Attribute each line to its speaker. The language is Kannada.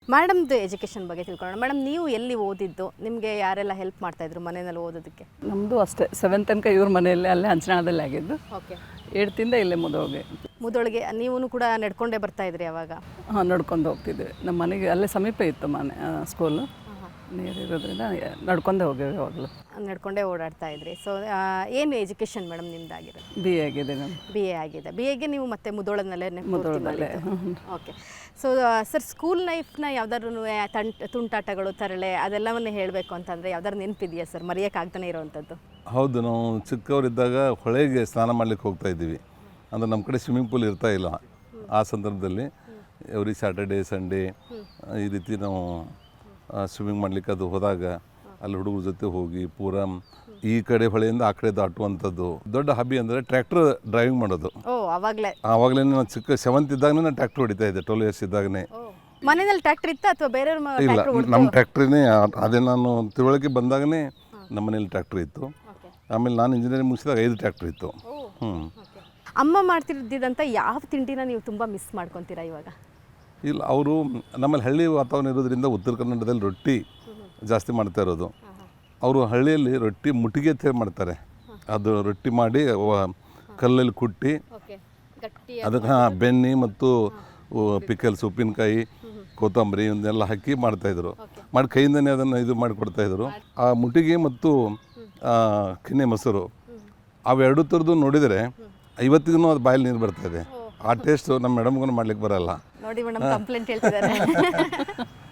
Speaker 1: ಮೇಡಮ್ದು ಎಜುಕೇಷನ್ ಬಗ್ಗೆ ತಿಳ್ಕೊಳ್ಳೋಣ. ಮೇಡಮ್, ನೀವು ಎಲ್ಲಿ ಓದಿದ್ದು? ನಿಮಗೆ ಯಾರೆಲ್ಲ ಹೆಲ್ಪ್ ಮಾಡ್ತಾಯಿದ್ರು ಮನೆಯಲ್ಲಿ ಓದೋದಕ್ಕೆ?
Speaker 2: ನಮ್ಮದು ಅಷ್ಟೇ 7th ತನಕ ಇವ್ರ ಮನೆಯಲ್ಲೇ ಅಲ್ಲೇ ಹಂಚನಾಳದಲ್ಲಿ ಆಗಿದ್ದು.
Speaker 1: ಓಕೆ.
Speaker 2: 8th ಇಲ್ಲೇ ಮುದೋಗೆ.
Speaker 1: ಮುದೊಳಗೆ ನೀವು ಕೂಡ ನಡ್ಕೊಂಡೇ ಬರ್ತಾ ಇದ್ರಿ ಅವಾಗ?
Speaker 2: ಹಾಂ, ನಡ್ಕೊಂಡು ಹೋಗ್ತಿದ್ವಿ. ನಮ್ಮ ಮನೆಗೆ ಅಲ್ಲೇ ಸಮೀಪ ಇತ್ತು ಮನೆ ಸ್ಕೂಲು, ನೀರಿರೋದ್ರಿಂದ ನಡ್ಕೊಂಡೇ ಹೋಗೇವೆ ಯಾವಾಗಲೂ.
Speaker 1: ನಡ್ಕೊಂಡೇ ಓಡಾಡ್ತಾ ಇದ್ರಿ. ಸೊ ಏನು ಎಜುಕೇಷನ್ ಮೇಡಮ್ ನಿಮ್ದಾಗಿರೋದು?
Speaker 2: ಬಿ ಎ ಆಗಿದೆ ನಾನು.
Speaker 1: ಬಿ ಎ ಆಗಿದೆ. ಬಿ ಎಗೆ ನೀವು ಮತ್ತೆ ಮುದೋಳದಲ್ಲೇ
Speaker 2: ಮುದೋಳದಲ್ಲೇ.
Speaker 1: ಓಕೆ. ಸೊ ಸರ್, ಸ್ಕೂಲ್ ಲೈಫ್ನ ಯಾವ್ದಾದ್ರು ತುಂಟಾಟಗಳು, ತರಳೆ ಅದೆಲ್ಲವನ್ನೇ ಹೇಳಬೇಕು ಅಂತಂದರೆ ಯಾವ್ದಾದ್ರು ನೆನಪಿದೆಯಾ ಸರ್, ಮರೆಯೋಕ್ಕಾಗ್ತಾನೆ ಇರೋವಂಥದ್ದು?
Speaker 3: ಹೌದು, ನಾವು ಚಿಕ್ಕವರಿದ್ದಾಗ ಹೊಳೆಗೆ ಸ್ನಾನ ಮಾಡ್ಲಿಕ್ಕೆ ಹೋಗ್ತಾ ಇದ್ದೀವಿ. ಅಂದರೆ ನಮ್ಮ ಕಡೆ ಸ್ವಿಮ್ಮಿಂಗ್ ಪೂಲ್ ಇರ್ತಾ ಇಲ್ಲ. ಆ ಸಂದರ್ಭದಲ್ಲಿ ಎವ್ರಿ ಸ್ಯಾಟರ್ಡೇ ಸಂಡೇ ಈ ರೀತಿ ನಾವು ಸ್ವಿಮ್ಮಿಂಗ್ ಮಾಡಲಿಕ್ಕೆ ಅದು ಹೋದಾಗ ಅಲ್ಲಿ ಹುಡುಗರ ಜೊತೆ ಹೋಗಿ ಪೂರಾ ಈ ಕಡೆ ಹೊಳೆಯಿಂದ ಆ ಕಡೆ ದಾಟುವಂಥದ್ದು. ದೊಡ್ಡ ಹಬ್ಬಿ ಅಂದರೆ ಟ್ರ್ಯಾಕ್ಟರ್ ಡ್ರೈವಿಂಗ್ ಮಾಡೋದು.
Speaker 1: ಓ, ಆವಾಗಲೇ
Speaker 3: ನಾನು ಚಿಕ್ಕ 7th ಇದ್ದಾಗನೇ ನಾನು ಟ್ರ್ಯಾಕ್ಟರ್ ಹೊಡಿತಾ ಇದ್ದೆ. 12 years ಇದ್ದಾಗನೇ.
Speaker 1: ಮನೆಯಲ್ಲಿ ಟ್ರ್ಯಾಕ್ಟರ್ ಇತ್ತಾ ಅಥವಾ ಬೇರೆಯವ್ರ?
Speaker 3: ಇಲ್ಲ, ನಮ್ಮ ಟ್ರ್ಯಾಕ್ಟ್ರಿನೇ. ಅದೇ ನಾನು ತಿಳುವಳಿಕೆ ಬಂದಾಗನೇ ನಮ್ಮ ಮನೇಲಿ ಟ್ರ್ಯಾಕ್ಟ್ರ್ ಇತ್ತು. ಆಮೇಲೆ ನಾನು ಇಂಜಿನಿಯರಿಂಗ್ ಮುಗಿಸಿದಾಗ 5 ಟ್ರ್ಯಾಕ್ಟ್ರ್ ಇತ್ತು.
Speaker 1: ಅಮ್ಮ ಮಾಡ್ತಿದ್ದಂಥ ಯಾವ ತಿಂಡಿನ ನೀವು ತುಂಬ ಮಿಸ್ ಮಾಡ್ಕೊತೀರಾ ಇವಾಗ?
Speaker 3: ಇಲ್ಲ, ಅವರು ನಮ್ಮಲ್ಲಿ ಹಳ್ಳಿ ವಾತಾವರಣ ಇರೋದ್ರಿಂದ ಉತ್ತರ ಕನ್ನಡದಲ್ಲಿ ರೊಟ್ಟಿ ಜಾಸ್ತಿ ಮಾಡ್ತಾ ಇರೋದು. ಅವರು ಹಳ್ಳಿಯಲ್ಲಿ ರೊಟ್ಟಿ ಮುಟ್ಟಿಗೆ ಅಂತ ಹೇಳಿ ಮಾಡ್ತಾರೆ. ಅದು ರೊಟ್ಟಿ ಮಾಡಿ ಕಲ್ಲಲ್ಲಿ ಕುಟ್ಟಿ ಅದಕ್ಕೆ ಬೆಣ್ಣೆ ಮತ್ತು ಪಿಕಲ್ಸ್, ಉಪ್ಪಿನಕಾಯಿ, ಕೊತ್ತಂಬರಿ ಇವನ್ನೆಲ್ಲ ಹಾಕಿ ಮಾಡ್ತಾಯಿದ್ರು. ಮಾಡಿ ಕೈಯಿಂದನೇ ಅದನ್ನು ಇದು ಮಾಡಿಕೊಡ್ತಾಯಿದ್ರು. ಆ ಮುಟ್ಟಿಗೆ ಮತ್ತು ಕೆನೆ ಮೊಸರು ಅವೆರಡು ಥರದ್ದು ನೋಡಿದರೆ ಇವತ್ತಿಗೂ ಅದು ಬಾಯಲ್ಲಿ ನೀರು ಬರ್ತಾಯಿದೆ. ಆ ಟೇಸ್ಟು ನಮ್ಮ ಮೇಡಮ್ಗೂ ಮಾಡ್ಲಿಕ್ಕೆ ಬರಲ್ಲ.
Speaker 1: ನೋಡಿ ಮೇಡಮ್, ಕಂಪ್ಲೇಂಟ್ ಹೇಳ್ತಿದ್ದಾರೆ.